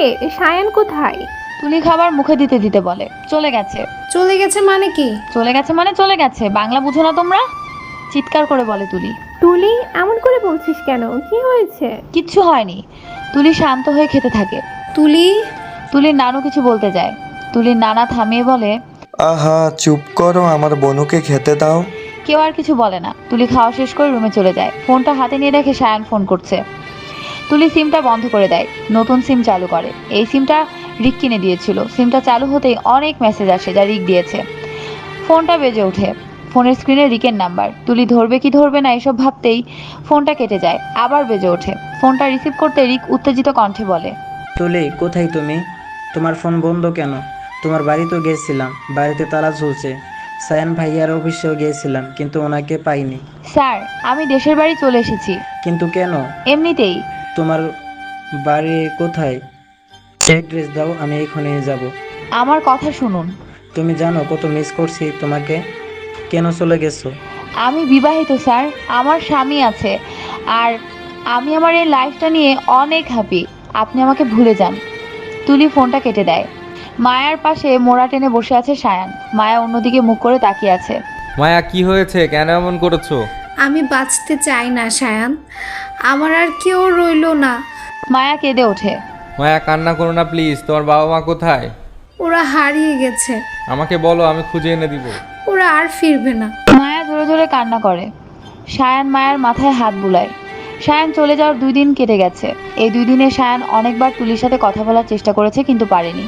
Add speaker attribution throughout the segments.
Speaker 1: সায়ান কোথায়?
Speaker 2: তুলি খাবার মুখে দিতে দিতে বলে, চলে গেছে।
Speaker 1: চলে গেছে মানে কি?
Speaker 2: চলে গেছে মানে চলে গেছে, বাংলা বুঝো না তোমরা? চিৎকার করে বলে তুলি।
Speaker 1: তুলি, এমন করে বলছিস কেন? কি হয়েছে?
Speaker 2: কিচ্ছু হয়নি। তুলি শান্ত হয়ে খেতে থাকে।
Speaker 1: তুলি,
Speaker 2: তুলির নানু কিছু বলতে যায়, তুলির নানা থামিয়ে বলে,
Speaker 3: আহা চুপ করো, আমার বনুকে খেতে দাও।
Speaker 2: কেউ আর কিছু বলে না। তুলি খাওয়া শেষ করে রুমে চলে যায়। ফোনটা হাতে নিয়ে দেখে সায়ান ফোন করছে। তুলি সিমটা বন্ধ করে দেয়, নতুন সিম চালু করে। এই সিমটা রিক কিনে দিয়েছিল। সিমটা চালু হতেই অনেক মেসেজ আসে যা রিক দিয়েছে। ফোনটা বেজে ওঠে, ফোনের স্ক্রিনে রিকের নাম্বার। তুলি ধরবে কি ধরবে না এসব ভাবতেই ফোনটা কেটে যায়, আবার বেজে ওঠে। ফোনটা রিসিভ করতে রিক উত্তেজিত কণ্ঠে বলে,
Speaker 4: তুলি কোথায় তুমি? তোমার ফোন বন্ধ কেন? তোমার বাড়ি তো গেছিলাম, বাড়িতে তালা ঝুলছে। সায়ান ভাইয়ার অফিসেও গিয়েছিলাম কিন্তু ওনাকে পাইনি।
Speaker 2: স্যার আমি দেশের বাড়ি চলে এসেছি।
Speaker 4: কিন্তু কেন?
Speaker 2: এমনিতেই।
Speaker 4: তোমার বাড়ি কোথায়? অ্যাড্রেস দাও, আমি এখনই যাব।
Speaker 2: আমার কথা শুনুন।
Speaker 4: তুমি জানো কত মিস করছি তোমাকে। কেন চলে গেছো?
Speaker 2: আমি বিবাহিত স্যার, আমার স্বামী আছে, আর আমি আমার এই লাইফটা নিয়ে অনেক হ্যাপি। আপনি আমাকে ভুলে যান। তুলি ফোনটা কেটে দেয়। মায়ার পাশে মোড়া টেনে বসে আছে সায়ান। মায়া অন্যদিকে মুখ করে তাকিয়ে আছে।
Speaker 5: মায়া কি হয়েছে, কেন এমন করেছো?
Speaker 1: আমি বাঁচতে চাই না সায়ান, আমার আর কেউ রইলো না।
Speaker 2: মায়া কেঁদে ওঠে।
Speaker 5: মায়া কান্না করো না প্লিজ, তোমার বাবা মা কোথায়?
Speaker 1: ওরা হারিয়ে গেছে,
Speaker 5: আমাকে বলো, আমি খুঁজে এনে দিব।
Speaker 1: ওরা আর ফিরবে না।
Speaker 2: মায়া জোরে জোরে কান্না করে। সায়ান মায়ার মাথায় হাত বুলায়। সায়ান চলে যাওয়ার 2 দিন কেটে গেছে। এই 2 দিনে সায়ান অনেকবার তুলির সাথে কথা বলার চেষ্টা করেছে কিন্তু পারেনি।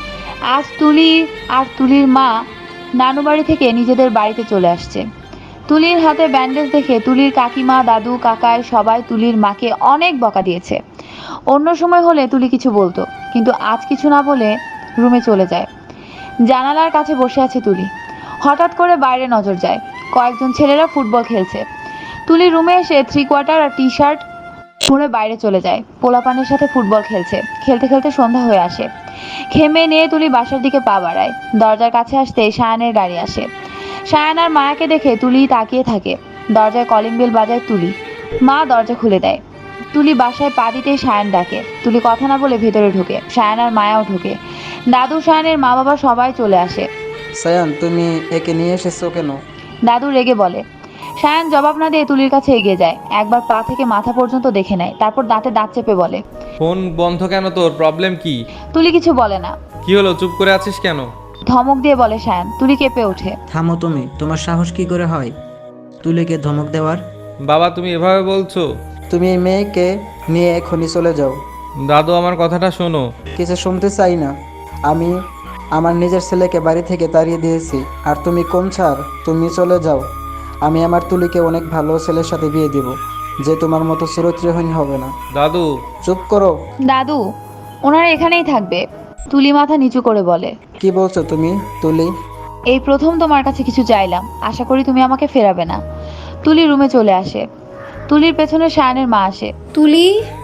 Speaker 2: আজ তুলি আর তুলির মা নানু বাড়ি থেকে নিজেদের বাড়িতে চলে আসছে। তুলির হাতে ব্যান্ডেজ দেখে তুলির কাকিমা, দাদু, কাকাই সবাই তুলির মাকে অনেক বকা দিয়েছে। অন্য সময় হলে তুলি কিছু বলতো, কিন্তু আজ কিছু না বলে রুমে চলে যায়। জানালার কাছে বসে আছে তুলি। হঠাৎ করে বাইরে নজর যায়, কয়েকজন ছেলেরা ফুটবল খেলছে। তুলি রুমে এসে 3/4 আর টি-শার্ট পরে বাইরে চলে যায়। পোলাপানের সাথে ফুটবল খেলছে। খেলতে খেলতে সন্ধ্যা হয়ে আসে। খেমে নিয়ে তুলি বাসার দিকে পা বাড়ায়। দরজার কাছে আসতে সায়ানের গাড়ি আসে। সায়ান আর মায়াকে দেখে তুলি তাকিয়ে থাকে। দরজায় কলিং বেল বাজায় তুলি। মা দরজা খুলে দেয়। তুলি বাসায় পা দিতেই সায়ান ডাকে। তুলি কথা না বলে ভেতরে ঢোকে। সায়ান আর মায়াও ঢোকে। দাদু, সায়ানের মা বাবা সবাই চলে আসে।
Speaker 4: সায়ান তুমি একে নিয়ে এসেছো কেন?
Speaker 2: দাদু রেগে বলে। সায়ান জবাব না দিয়ে তুলির কাছে এগিয়ে যায়। একবার পা থেকে মাথা পর্যন্ত দেখে নেয়, তারপর দাঁতে দাঁত চেপে বলে,
Speaker 5: ফোন বন্ধ কেন, তোর প্রবলেম কি?
Speaker 2: তুলি কিছু বলে না।
Speaker 5: কি হলো, চুপ করে আছিস কেন?
Speaker 2: ধমক দিয়ে বলে সায়ান। তুলি কেঁপে ওঠে।
Speaker 4: থামো তুমি, তোমার সাহস কি করে হয় তুলিকে ধমক দেওয়ার?
Speaker 5: বাবা তুমি এভাবে বলছো?
Speaker 4: তুমি এই মেয়েকে নিয়ে এখনই চলে যাও।
Speaker 5: দাদু আমার কথাটা শোনো।
Speaker 4: কিছু শুনতে চাই না। আমি আমার নিজের ছেলেকে বাড়ি থেকে তাড়িয়ে দিয়েছি, আর তুমি কোন ছাড়? তুমি চলে যাও। আমি আমার তুলিকে অনেক ভালো ছেলের সাথে বিয়ে দিব, যে তোমার মতো চরিত্রহীন হবে না।
Speaker 5: দাদু
Speaker 4: চুপ করো।
Speaker 2: দাদু, ওনারা এখানেই থাকবে। তুলি মাথা নিচু করে বলে,
Speaker 4: কি বলছো তুমি তুলি?
Speaker 2: এই প্রথম তোমার কাছে কিছু চাইলাম, আশা করি তুমি আমাকে ফেরাবে না। তুলি রুমে চলে আসে। তুলির পেছনে সায়ানের মা আসে।
Speaker 1: তুলি,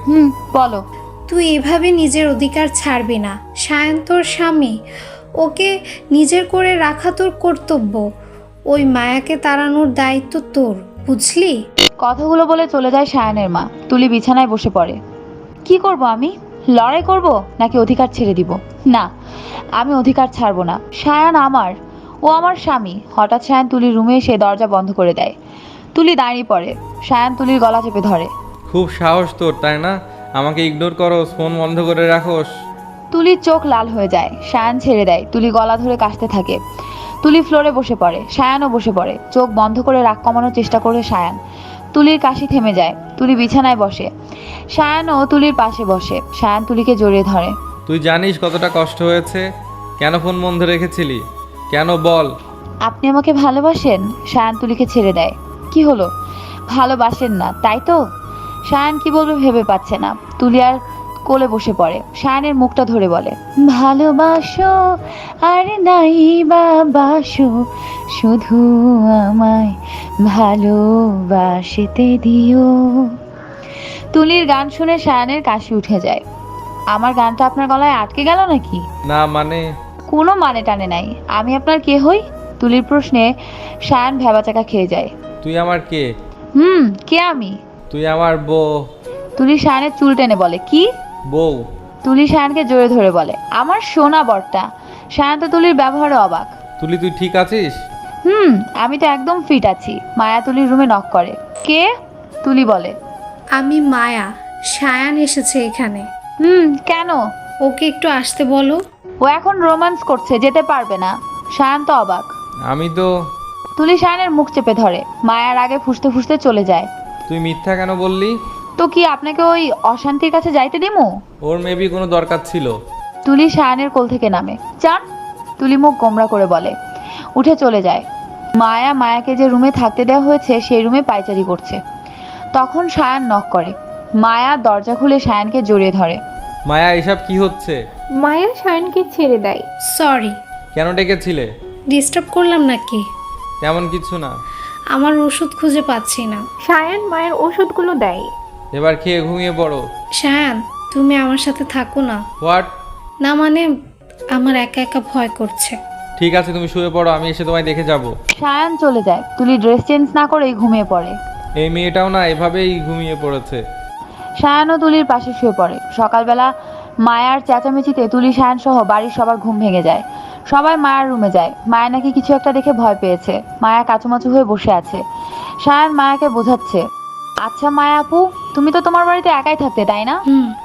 Speaker 2: বলো।
Speaker 1: তুই এভাবে নিজের অধিকার ছাড়বি না। সায়ন তোর স্বামী, ওকে নিজের করে রাখা তোর কর্তব্য। ওই মায়াকে তাড়ানোর দায়িত্ব তোর, বুঝলি?
Speaker 2: কথাগুলো বলে চলে যায় সায়ানের মা। তুলি বিছানায় বসে পড়ে। কি করব আমি? লড়াই করব নাকি অধিকার ছেড়ে দিব? না, আমি অধিকার ছাড়বো না। সায়ান আমার, ও আমার স্বামী। হঠাৎ সায়ান তুলির রুমে এসে দরজা বন্ধ করে দেয়। তুলি দাঁড়িয়ে পড়ে। সায়ান তুলির গলা চেপে ধরে।
Speaker 5: খুব সাহস তোর, তাই না? আমাকে ইগনোর করো, ফোন বন্ধ করে রাখোস।
Speaker 2: তুলির চোখ লাল হয়ে যায়। সায়ান ছেড়ে দেয়। তুলি গলা ধরে কাশতে থাকে। তুলি ফ্লোরে বসে পড়ে। সায়ানও বসে পড়ে। চোখ বন্ধ করে রাগ কমানোর চেষ্টা করে সায়ান। তুলির কাশি থেমে যায়। তুলি বিছানায় বসে। সায়ানও তুলির পাশে বসে। সায়ান তুলিকে জড়িয়ে ধরে।
Speaker 5: তুই জানিস কতটা কষ্ট হয়েছে? কেন ফোন বন্ধ রেখেছিলি? কেন বল?
Speaker 2: আপনি আমাকে ভালোবাসেন? সায়ান তুলিকে ছেড়ে দেয়। কি হলো, ভালোবাসেন না তাই তো? সায়ান কি বলবে ভেবে পাচ্ছে না। তুলি আর কোলে বসে পড়ে। সায়ানের মুখটা ধরে বলে, ভালোবাসো আর নাই বা বাসো, শুধু আমায় ভালোবাসতে দিও। তুলির গান শুনে সায়ানের কাশি উঠে যায়। আমার গানটা আপনার গলায় আটকে গেল নাকি?
Speaker 5: না মানে?
Speaker 2: কোনো মানে টানে নাই। আমি আপনার কে হই? তুলির প্রশ্নে সায়ান ভেবাচাকা খেয়ে যায়।
Speaker 5: তুই আমার কে?
Speaker 2: কে আমি?
Speaker 5: তুই আমার বউ।
Speaker 2: তুলি সায়ানের চুল টেনে বলে, কি?
Speaker 5: বউ।
Speaker 2: তুলি সায়ানকে জোরে ধরে বলে, আমার সোনা বরটা। সায়ান তো তুলির ব্যবহারে অবাক।
Speaker 5: তুলি তুই ঠিক আছিস?
Speaker 2: আমি তো একদম ফিট আছি। মায়া তুলির রুমে নক করে। কে? তুলি বলে,
Speaker 1: আমি মায়া, সায়ান এসেছে এখানে।
Speaker 2: কেন?
Speaker 1: ওকে একটু আসতে বলো।
Speaker 2: ও এখন রোম্যান্স করছে, যেতে পারবে না। সায়ান তো অবাক।
Speaker 5: আমি তো।
Speaker 2: তুলি সায়ানের মুখ চেপে ধরে। মায়ার আগে ফুসতে ফুসতে চলে যায়।
Speaker 5: তুই মিথ্যা কেন বললি?
Speaker 2: তো কি আপনাকে ওই অশান্তির কাছে যাইতে দিমু?
Speaker 5: ওর মেবি কোনো দরকার ছিল।
Speaker 2: তুলি সায়ানের কোল থেকে নামে। চান? তুলি মুখ গোমরা করে বলে, উঠে চলে যায়। মায়াকে যে রুমে থাকতে দেওয়া হয়েছে সেই রুমে পায়চারি করছে। তখন সায়ান নক করে। মায়া দরজা খুলে সায়ানকে জড়িয়ে ধরে।
Speaker 5: মায়া, এসব কি হচ্ছে?
Speaker 6: মায়া সায়নকে ছেড়ে দেয়।
Speaker 1: সরি,
Speaker 5: কেন ডেকেছিলে?
Speaker 1: ডিস্টার্ব করলাম নাকি?
Speaker 5: তেমন কিছু না।
Speaker 1: আমার ওষুধ খুঁজে পাচ্ছি না।
Speaker 6: সায়ন মায়ের ওষুধগুলো দেয়।
Speaker 5: এবার খেয়ে ঘুমিয়ে পড়ো।
Speaker 1: সায়ান, তুমি আমার সাথে থাকো না।
Speaker 5: হোয়াট?
Speaker 1: না মানে, আমার একা একা ভয় করছে।
Speaker 5: ঠিক আছে, তুমি শুয়ে পড়ো, আমি এসে তোমায় দেখে যাব।
Speaker 2: সায়ান চলে যায়। তুলি ড্রেস চেঞ্জ না করেই ঘুমিয়ে পড়ে।
Speaker 5: এই মেয়েটাও না এভাবেই ঘুমিয়ে পড়েছে।
Speaker 2: সায়ান ও তুলির পাশে শুয়ে পড়ে। সকালবেলা মায়ার চেঁচামেচিতে তুলি সায়ান সহ বাড়ির সবার ঘুম ভেঙে যায়। সবাই মায়ার রুমে যায়। মায়া নাকি কিছু একটা দেখে ভয় পেয়েছে। মায়া কাচুমাচু হয়ে বসে আছে। সায়ান মায়াকে বোঝাচ্ছে, আচ্ছা মায়া আপু, তুমি তো তোমার বাড়িতে একাই থাকতে, তাই না?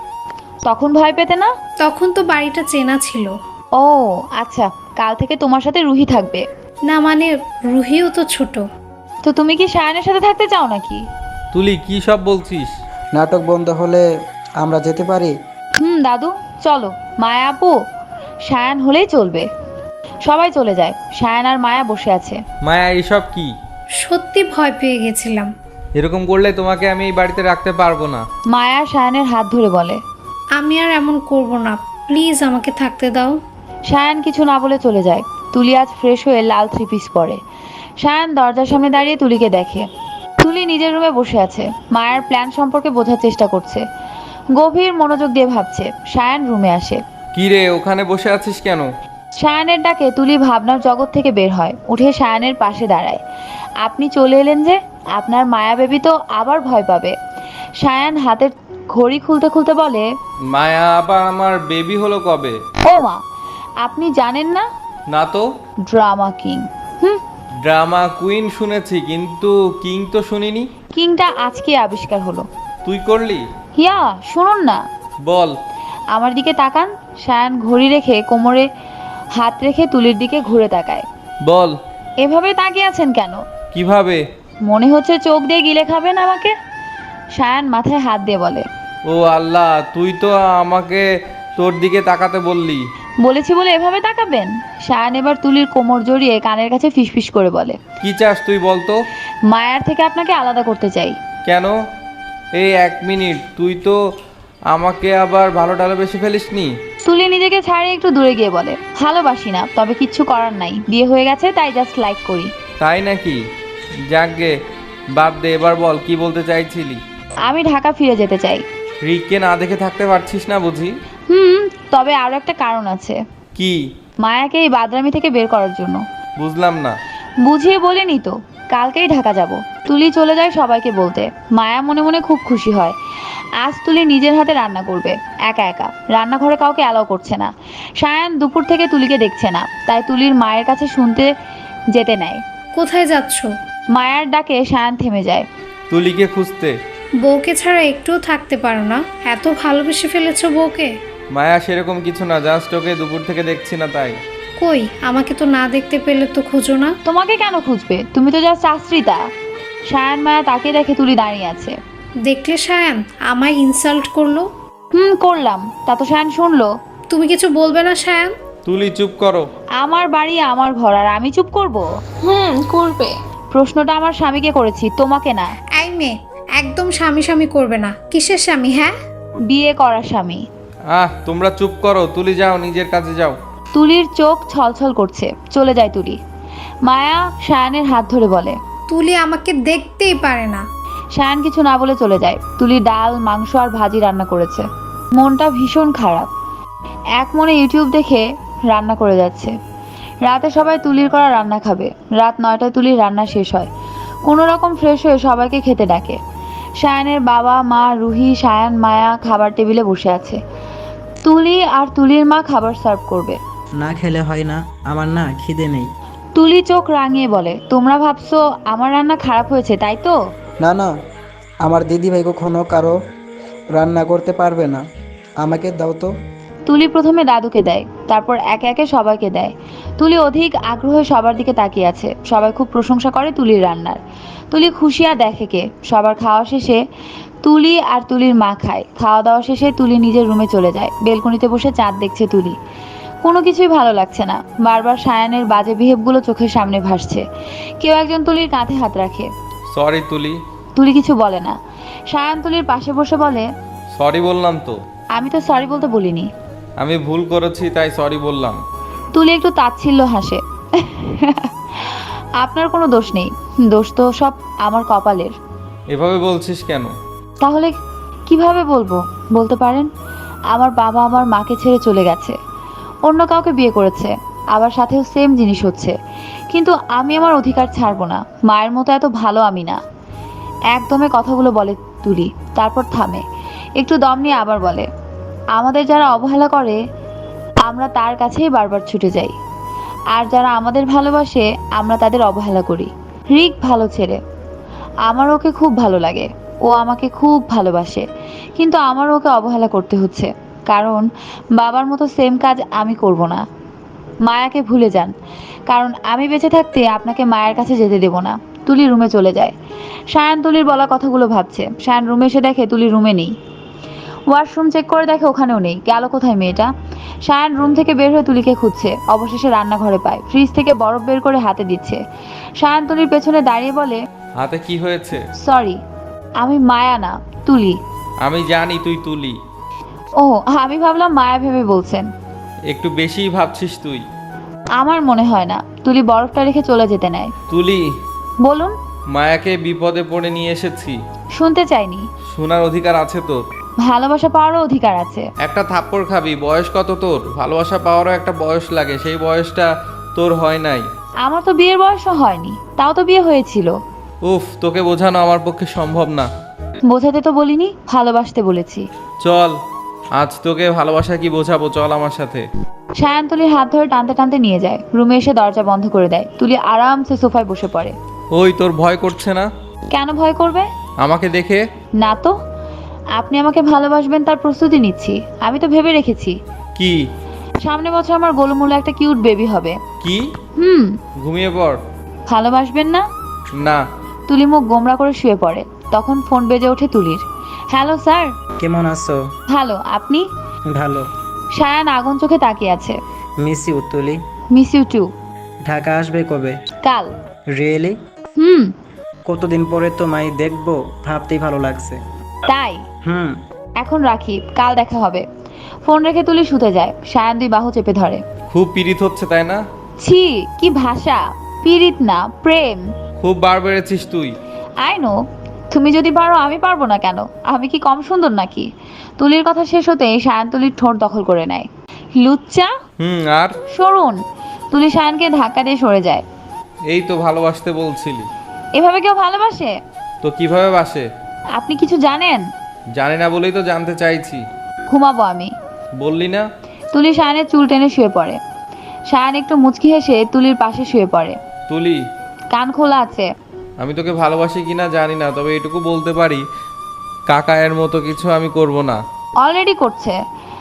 Speaker 2: তখন ভয় পেতে না?
Speaker 1: তখন তো বাড়িটা চেনা ছিল।
Speaker 2: ও আচ্ছা, কাল থেকে তোমার সাথে রুহি থাকবে।
Speaker 1: না মানে, রুহিও তো ছোট।
Speaker 2: তো তুমি কি সায়ানের সাথে থাকতে চাও নাকি?
Speaker 5: তুলি কি সব বলছিস?
Speaker 4: নাটক বন্ধ হলে আমরা যেতে পারি।
Speaker 2: দাদু চলো। মায়া আপু, সায়ান হলেই চলবে। সবাই চলে যায়। সায়ান আর মায়া বসে আছে।
Speaker 5: মায়া, এইসব কি?
Speaker 1: সত্যি ভয় পেয়ে গেছিলাম।
Speaker 5: এরকম করলে তোমাকে আমি এই বাড়িতে রাখতে পারবো না।
Speaker 2: মায়া সায়ানের হাত ধরে বলে,
Speaker 1: আমি আর এমন করব না, প্লিজ আমাকে থাকতে দাও।
Speaker 2: সায়ান কিছু না বলে চলে যায়। তুলি আজ ফ্রেশ হয়ে লাল থ্রি পিস পরে। সায়ান দরজার সামনে দাঁড়িয়ে তুলিকে দেখে। তুলি নিজের রুমে বসে আছে। মায়ের প্ল্যান সম্পর্কে বোঝার চেষ্টা করছে। গভীর মনোযোগ দিয়ে ভাবছে। সায়ান রুমে আসে।
Speaker 5: কি রে, ওখানে বসে আছিস কেন?
Speaker 2: সায়ানের ডাকে তুলি ভাবনার জগৎ থেকে বের হয়। উঠে সায়ানের পাশে দাঁড়ায়। আপনি চলে এলেন যে? আপনার মায়া বেবি তো আবার ভয় পাবে। সায়ান হাতের ঘড়ি খুলতে খুলতে বলে,
Speaker 5: মায়া আবার আমার বেবি হলো কবে?
Speaker 2: ও মা, আপনি জানেন না?
Speaker 5: না তো।
Speaker 2: Drama king.
Speaker 5: ড্রামা কুইন শুনেছি, কিন্তু কিং তো শুনিনি।
Speaker 2: কিংটা আজকে আবিষ্কার হলো।
Speaker 5: তুই করলি?
Speaker 2: হিয়া শুনুন না।
Speaker 5: বল।
Speaker 2: আমার দিকে তাকান। সায়ান ঘড়ি রেখে কোমরে হাত রেখে তুলির দিকে ঘুরে তাকায়।
Speaker 5: বল।
Speaker 2: এভাবে তাকিয়ে আছেন কেন?
Speaker 5: কিভাবে?
Speaker 2: মনে হচ্ছে চোখ দিয়ে গিলে খাবেন আমাকে। সায়ান মাথায় হাত দিয়ে বলে,
Speaker 5: ও আল্লাহ, তুই তো আমাকে তোর দিকে তাকাতে বললি।
Speaker 2: বলেছি বলে এভাবে তাকাবেন? সায়ান এবার তুলির কোমর জড়িয়ে কানের কাছে ফিসফিস করে বলে,
Speaker 5: কি চাস তুই বলতো?
Speaker 2: মায়ার থেকে আপনাকে আলাদা করতে চাই।
Speaker 5: কেন? এই 1 মিনিট, তুই তো আমাকে আবার ভালো বেশি ফেলিসনি।
Speaker 2: তুলি নিজেকে ছাড়িয়ে একটু দূরে গিয়ে বলে, ভালোবাসি না, তবে কিচ্ছু করার নাই, বিয়ে হয়ে গেছে তাই জাস্ট লাইক করি।
Speaker 5: তাই নাকি? যাকগে, বাদ দে, এবার বল কি বলতে চাইছিলি?
Speaker 2: আমি ঢাকা ফিরে যেতে চাই।
Speaker 5: রিককে না দেখে থাকতে পারছিস না বুঝি?
Speaker 2: তবে আরো একটা কারণ আছে।
Speaker 5: কি?
Speaker 2: মায়াকে এই বাদরামি থেকে বের করার জন্য।
Speaker 5: বুঝলাম না।
Speaker 2: বুঝিয়ে বলিনি তো, কালকেই ঢাকা যাব। তুলি চলে যায় সবাইকে বলতে। মায়া মনে মনে খুব খুশি হয়। আজ তুলি নিজের হাতে রান্না করবে, একা একা। রান্নাঘরে কাউকে অ্যালাউ করছে না। সায়ান দুপুর থেকে তুলিকে দেখছে না, তাই তুলির মায়ের কাছে শুনতে যেতে নেয়।
Speaker 1: কোথায় যাচ্ছ?
Speaker 2: মায়ার ডাকে সায়ান থেমে যায়।
Speaker 5: তুলিকে খুঁজতে।
Speaker 1: বউকে ছাড়া একটুও থাকতে পারো না? এত ভালোবেসে ফেলেছো বউকে?
Speaker 5: মায়া, সেরকম কিছু না, জাস্ট ওকে দুপুর থেকে দেখছি না তাই।
Speaker 1: কই, আমাকে তো না দেখতে পেলে তো খুঁজো না।
Speaker 2: তোমাকে কেন খুঁজবে? তুমি তো জাস্ট আশ্রিতা। সায়ান মায়া তাকিয়ে দেখে তুলি দাঁড়িয়ে আছে।
Speaker 1: দেখলে সায়ান আমায় ইনসাল্ট করলো।
Speaker 2: করলাম, তা তো সায়ান শুনলো।
Speaker 1: তুমি কিছু বলবে না সায়ান?
Speaker 5: তুলি চুপ করো।
Speaker 2: আমার বাড়ি আমার ঘর, আর আমি চুপ করব?
Speaker 6: করবে।
Speaker 2: প্রশ্নটা আমার স্বামীকে করেছি, তোমাকে না।
Speaker 1: এই মেয়ে, একদম স্বামী স্বামী করবে না। কিসের স্বামী? হ্যাঁ,
Speaker 2: বিয়ে করা স্বামী।
Speaker 5: তোমরা চুপ করো। তুলি যাও, নিজের কাজে যাও।
Speaker 2: তুলির চোখ ছলছল করছে। চলে যায় তুলি। মায়া সায়ানের হাত ধরে বলে,
Speaker 1: তুলি আমাকে দেখতেই পারে না।
Speaker 2: সায়ান কিছু না বলে চলে যায়। তুলি ডাল, মাংস আর ভাজি রান্না করেছে। মনটা ভীষণ খারাপ। এক মনে ইউটিউব দেখে রান্না করে যাচ্ছে। রাতে সবাই তুলির করা রান্না খাবে। রাত 9টায় তুলির রান্না শেষ হয়। কোনো রকম ফ্রেশ হয়ে সবাইকে খেতে ডাকে। সায়ানের বাবা মা, রুহি, সায়ান, মায়া খাবার টেবিলে বসে আছে। তুলি আর তুলির মা খাবার সার্ভ করবে।
Speaker 4: না খেলে হয় না, আমার না খিদে নেই।
Speaker 2: তুলি চোখ রাঙিয়ে বলে, তোমরা ভাবছো আমার রান্না খারাপ হয়েছে তাই তো?
Speaker 4: না না, আমার দিদিভাই কখনো কারো রান্না করতে পারবে না, আমাকে দাও তো।
Speaker 2: তুলি প্রথমে দাদুকে দেয়, তারপর একে একে সবাইকে দেয়। তুলি অধিক আগ্রহে সবার দিকে তাকিয়ে আছে। সবাই খুব প্রশংসা করে তুলির রান্নার। তুলি খুশি আর দেখে কে। সবার খাওয়া শেষে তুলি আর তুলির মা খায়। খাওয়া দাওয়া শেষে তুলি নিজের রুমে চলে যায়। বেলকনিতে বসে চাঁদ দেখছে তুলি। কোনো কিছুই ভালো লাগছে না। বারবার সায়ানের বাজে বিহেভগুলো চোখের সামনে ভাসছে। কেউ একজন তুলির কাঁধে হাত রাখে।
Speaker 5: সরি তুলি।
Speaker 2: তুলি কিছু বলে না। সায়ান তুলির পাশে বসে বলে,
Speaker 5: সরি বললাম তো।
Speaker 2: আমি তো সরি বলতে বলিনি।
Speaker 5: আমি ভুল করেছি তাই সরি বললাম।
Speaker 2: তুলি একটু তাচ্ছিল্য হাসে। আপনার কোনো দোষ নেই, দোষ তো সব আমার কপালের।
Speaker 5: এভাবে বলছিস কেন?
Speaker 2: তাহলে কিভাবে বলবো বলতে পারেন? আমার বাবা আমার মাকে ছেড়ে চলে গেছে, অন্য কাউকে বিয়ে করেছে, আবার সাথেও সেম জিনিস হচ্ছে। কিন্তু আমি আমার অধিকার ছাড়বো না। মায়ের মতো এত ভালো আমি না। একদমে কথাগুলো বলে তুলি, তারপর থামে। একটু দম নিয়ে আবার বলে, আমাদের যারা অবহেলা করে আমরা তার কাছেই বারবার ছুটে যাই, আর যারা আমাদের ভালোবাসে আমরা তাদের অবহেলা করি। রিক ভালো ছেলে, আমার ওকে খুব ভালো লাগে, ও আমাকে খুব ভালোবাসে, কিন্তু আমার ওকে অবহেলা করতে হচ্ছে, কারণ বাবার মতো সেম কাজ আমি করব না। মায়াকে ভুলে যান, কারণ আমি বেঁচে থাকতে আপনাকে মায়ের কাছে যেতে দেব না। তুলি রুমে চলে যায়। সায়ান তুলির বলা কথাগুলো ভাবছে। সায়ান রুমে এসে দেখে তুলি রুমে নেই। ওয়াশরুম চেক করে দেখে ওখানেও নেই। গেল কোথায় মেয়েটা? সায়ান রুম থেকে বের হয়ে তুলিকে খুঁজছে। অবশেষে রান্নাঘরে পায়। ফ্রিজ থেকে বরফ বের করে হাতে দিচ্ছে। সায়ান তুলির পেছনে দাঁড়িয়ে বলে,
Speaker 5: হাতে কি হয়েছে?
Speaker 2: সরি, আমি মায়া না, তুলি।
Speaker 5: আমি জানি তুই তুলি।
Speaker 2: ও, আমি ভাবলাম মায়া ভেবে বলছেন।
Speaker 5: একটু বেশিই ভাবছিস তুই।
Speaker 2: আমার মনে হয় না। তুলি বরফটা রেখে চলে যেতে নেয়।
Speaker 5: তুলি,
Speaker 2: বলুন।
Speaker 5: মায়াকে বিপদে পড়ে নিয়ে এসেছি।
Speaker 2: শুনতে চাইনি।
Speaker 5: শোনার অধিকার আছে তোর।
Speaker 2: ভালোবাসা পাওয়ারও অধিকার আছে।
Speaker 5: একটা থাপ্পড় খাবি। বয়স কত তোর? ভালোবাসা পাওয়ারও একটা বয়স লাগে, সেই বয়সটা তোর হয় নাই।
Speaker 2: আমার তো বিয়ের বয়সও হয়নি, তাও তো বিয়ে হয়েছিল।
Speaker 5: উফ, তোকে বোঝানো আমার পক্ষে সম্ভব না।
Speaker 2: বোঝাতে তো বলিনি, ভালোবাসতে বলেছি।
Speaker 5: চল, আজ তোকে ভালোবাসা কি বোঝাবো, চল আমার সাথে।
Speaker 2: সায়ান তুলির হাত ধরে টানতে টানতে নিয়ে যায়। রুমে এসে দরজা বন্ধ করে দেয়। তুলি আরামসে সোফায় বসে পড়ে।
Speaker 5: ওই, তোর ভয় করছে না?
Speaker 2: কেন ভয় করবে?
Speaker 5: আমাকে দেখে?
Speaker 2: না তো। আপনি আমাকে ভালোবাসবেন তার প্রস্তুতি নিচ্ছি। আমি তো ভেবে রেখেছি,
Speaker 5: কি?
Speaker 2: সামনে বছর আমার গোলুমুলে একটা কিউট বেবি হবে।
Speaker 5: কি?
Speaker 2: হুম।
Speaker 5: ঘুমিয়ে পড়।
Speaker 2: ভালোবাসবেন না?
Speaker 5: না।
Speaker 2: তুলি মুখ গোমড়া করে শুয়ে পড়ে। তখন ফোন বেজে ওঠে তুলির। Hello sir.
Speaker 4: কেমন আছো?
Speaker 2: ভালো, আপনি?
Speaker 4: ভালো।
Speaker 2: সায়ান আগুন চোখে তাকিয়ে আছে।
Speaker 4: Miss you Tuli.
Speaker 2: Miss you too.
Speaker 4: Dhaka আসবে কবে?
Speaker 2: কাল।
Speaker 4: রিয়েলি?
Speaker 2: হুম।
Speaker 4: কতদিন পরে তোমায় দেখবো ভাবতেই ভালো লাগছে।
Speaker 2: তাই?
Speaker 4: হুম।
Speaker 2: এখন রাখি, কাল দেখা হবে। ফোন রেখে তুলি শুতে যায়। সায়ান দুই বাহু চেপে ধরে।
Speaker 5: খুব পীড়িত হচ্ছে তাই না?
Speaker 2: ছি, কি ভাষা! পীড়িত না, প্রেম।
Speaker 5: খুব বার বেড়েছিস তুই।
Speaker 2: I know. তুমি যদি পারো আমি পারবো না কেন? আমি কি কম সুন্দর নাকি? তুলির কথা শেষ হতেই সায়ান তুলির ঠোঁট দখল করে নেয়। লুচ্চা।
Speaker 5: আর
Speaker 2: সরুন। তুলি সায়ানকে ধাক্কা দিয়ে সরে যায়।
Speaker 5: এই তো ভালোবাসতে বলছিলি।
Speaker 2: এভাবে কেউ ভালোবাসে?
Speaker 5: তো কিভাবে বাসে?
Speaker 2: আপনি কিছু জানেন?
Speaker 5: জানি না বলেই তো জানতে চাইছি।
Speaker 2: ঘুমাবো আমি।
Speaker 5: বললি না?
Speaker 2: তুলি সায়ানের চুল টেনে শুয়ে পড়ে। সায়ান একটু মুচকি হেসে তুলির পাশে শুয়ে পড়ে।
Speaker 5: তুলি,
Speaker 2: কান খোলা আছে।
Speaker 5: আমি তোকে ভালোবাসি কিনা জানি না, তবে এটুকু বলতে পারি, কাকায়ের মতো কিছু আমি করব না।
Speaker 2: অলরেডি করছে।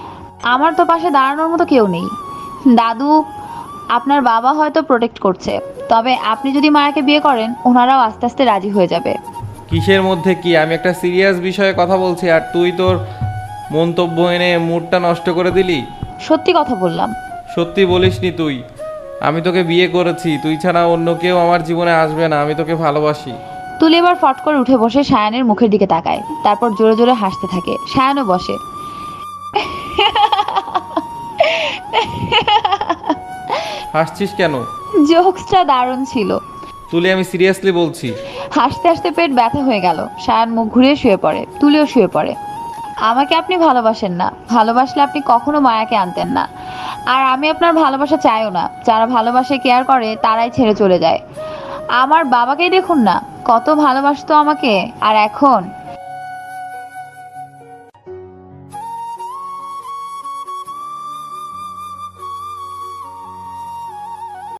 Speaker 2: আমার তো পাশে দাঁড়ানোর মতো কেউ নেই। দাদু, আপনার বাবা হয়তো প্রোটেক্ট করছে, তবে আপনি যদি মায়াকে বিয়ে করেন ওনারাও আস্তে আস্তে রাজি হয়ে যাবে।
Speaker 5: কিসের মধ্যে কি? আমি একটা সিরিয়াস বিষয়ে কথা বলছি আর তুই তোর মন্তব্য এনে মুডটা নষ্ট করে দিলি।
Speaker 2: সত্যি কথা বললাম।
Speaker 5: সত্যি বলিসনি তুই। আমি তোকে বিয়ে করেছি, তুই ছাড়া অন্য কেউ আমার জীবনে আসবে না। আমি তোকে ভালোবাসি।
Speaker 2: তুলি এবার ফট করে উঠে বসে সায়ানের মুখের দিকে তাকায়। তারপর জোরে জোরে হাসতে থাকে। সায়ানও বসে।
Speaker 5: হাসছিস কেন?
Speaker 2: জোকসটা দারুণ ছিল।
Speaker 5: তুলি, আমি সিরিয়াসলি বলছি।
Speaker 2: হাসতে হাসতে পেট ব্যথা হয়ে গেল। সায়ান মুখ ঘুরিয়ে শুয়ে পড়ে। তুলিও শুয়ে পড়ে। আমাকে আপনি ভালোবাসেন না। ভালোবাসলে আপনি কখনো মায়াকে আনতেন না। আর আমি আপনার ভালোবাসা চাইও না। যারা ভালোবাসে, কেয়ার করে, তারাই ছেড়ে চলে যায়। আমার বাবাকেই দেখুন না, কত ভালোবাসতো আমাকে, আর এখন